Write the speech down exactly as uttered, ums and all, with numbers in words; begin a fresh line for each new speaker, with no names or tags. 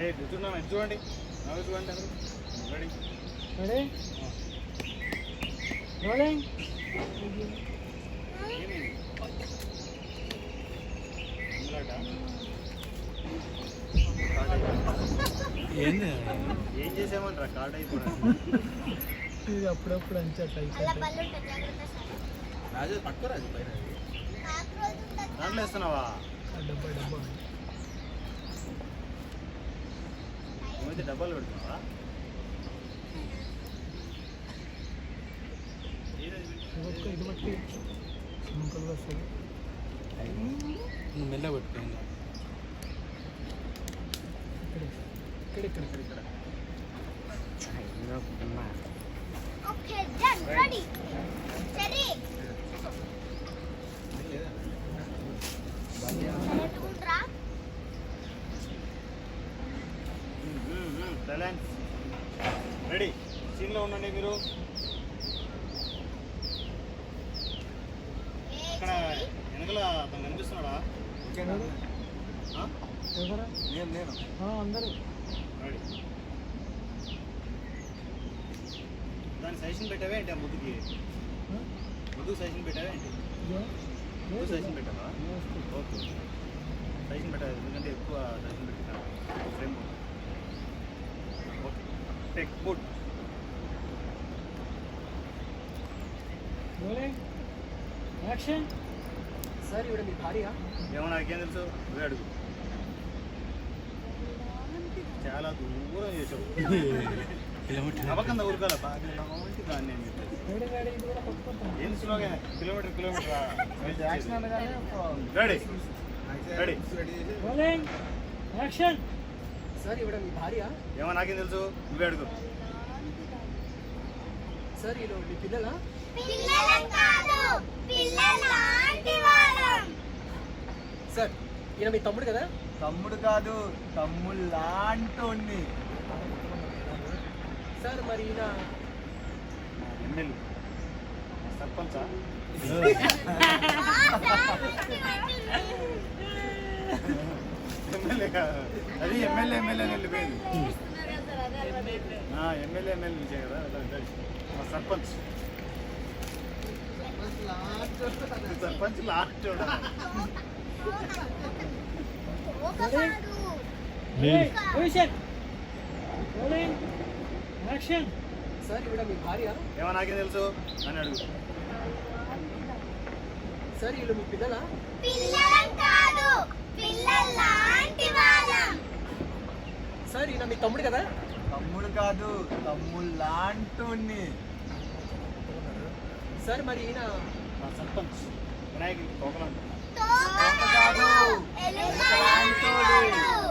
కూర్చున్నాను చూడండి నవ్వు చూడండి రెడీ
రెడీ రోలింగ్
ఏంది ఏం చేసామంటారా కార్డ్ అయిపోవడం
ఇది అప్పుడప్పుడు అంచా
రాజు పట్టుకోరాజు పైన దాంట్లో వేస్తున్నావా
డబ్బా డబ్బా
ఏమైతే డబ్బాలు పెడుతున్నావా
ఇది బట్టి సింపుల్గా వస్తుంది
మెల్ల పెట్టుకోండి
ఇక్కడ ఇక్కడ ఇక్కడ ఇక్కడ
ఓకే డన్ రెడీ రెడీ నెట్టుకుంట్రా
సైలెన్స్ రెడీ సీన్లో ఉండండి మీరు ఇక్కడ వెనకల అతను కనిపిస్తున్నాడా
ఎవరా
నేను నేను
అందరూ
రెడీ దాని సజెషన్ పెట్టావే ఏంటి ఆ ముద్దుకి ముద్దుకు సజెషన్ పెట్టావే ఏంటి ముద్దు సజెషన్ పెట్టావా ఓకే సజెషన్ పెట్టాలి ఎందుకంటే ఎక్కువ సజెషన్ పెట్టినాను frame okay take good
rolling action
sir ఇవిడ మీ భార్య
ఏమో నాకేం తెలుసు నువ్వే అడుగు చాలా దూరం చేసావు కిలోమీటర్ నవ్వకంద ఊరుకోలే బాగా లాంటి దాన్ని నేను చెప్పేసి
రెడీ రెడీ ఇది కూడా పట్టుకుంటాం
ఏం స్లోగా kilometre kilometre
action
ready ready
rolling action
sir ఇవిడ మీ భార్య
ఏమో నాకేం తెలుసు నువ్వే అడుగు
సార్ వీళ్ళు మీ పిల్లలా
పిల్లలం కాదు పిల్లలాంటి వాళ్ళం
సార్ ఈయన మీ తమ్ముడు కదా
తమ్ముడు కాదు తమ్ముడు లాంటి
సార్ మరి ఈయన
ఎమ్మెల్యే సర్పంచా ఎమ్మెల్యే కాదు అది ఎమ్మెల్యే ఎమ్మెల్యే అని వెళ్ళిపోయింది ఎమ్మెల్యే ఎమ్మెల్యే నుంచే కదా మా sarpanch sarpanch last
position rolling action
sir ఇవిడ మీ భార్య
ఏమో నాకేం తెలుసు అని అడుగు
సార్ వీళ్ళు మీ పిల్లలా
పిల్లలం కాదు పిల్లలాంటి వాళ్ళం
సార్ ఈయన మీ తమ్ముడు కదా
తమ్ముడు కాదు తమ్ముడు లాంటి
సార్ మరి ఈయన
మా సర్పంచ్ వినాయకుడికి తోకలంట
తోక కాదు ఎలుక లాంటి వాడు